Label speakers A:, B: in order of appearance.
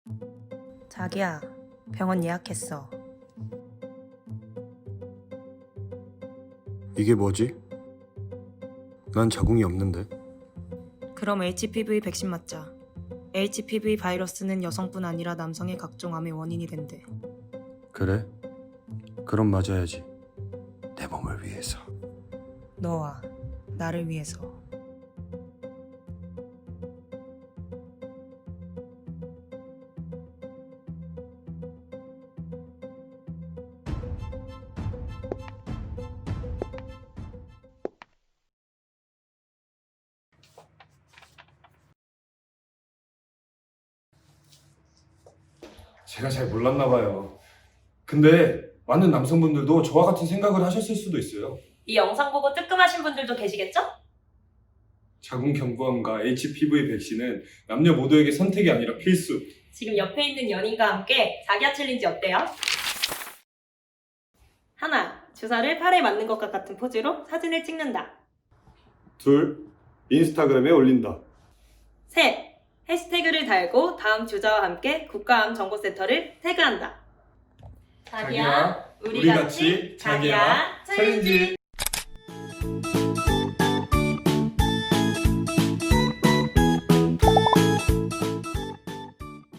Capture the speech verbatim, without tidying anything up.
A: 자기야, 병원 예약했어.
B: 이게 뭐지? 난 자궁이 없는데.
A: 그럼 에이치피브이 백신 맞자. 에이치피브이 바이러스는 여성뿐 아니라 남성의 각종 암의 원인이 된대.
B: 그래? 그럼 맞아야지. 내 몸을 위해서.
A: 너와 나를 위해서.
B: 제가 잘 몰랐나 봐요. 근데 많은 남성분들도 저와 같은 생각을 하셨을 수도 있어요.
C: 이 영상 보고 뜨끔하신 분들도 계시겠죠?
B: 자궁 경부암과 에이치피브이 백신은 남녀 모두에게 선택이 아니라 필수.
C: 지금 옆에 있는 연인과 함께 자기야 챌린지 어때요? 하나, 주사를 팔에 맞는 것과 같은 포즈로 사진을 찍는다.
B: 둘, 인스타그램에 올린다.
C: 셋, 해시태그를 달고 다음 주자와 함께 국가암정보센터를 태그한다. 자기야, 우리 같이 자기야 챌린지.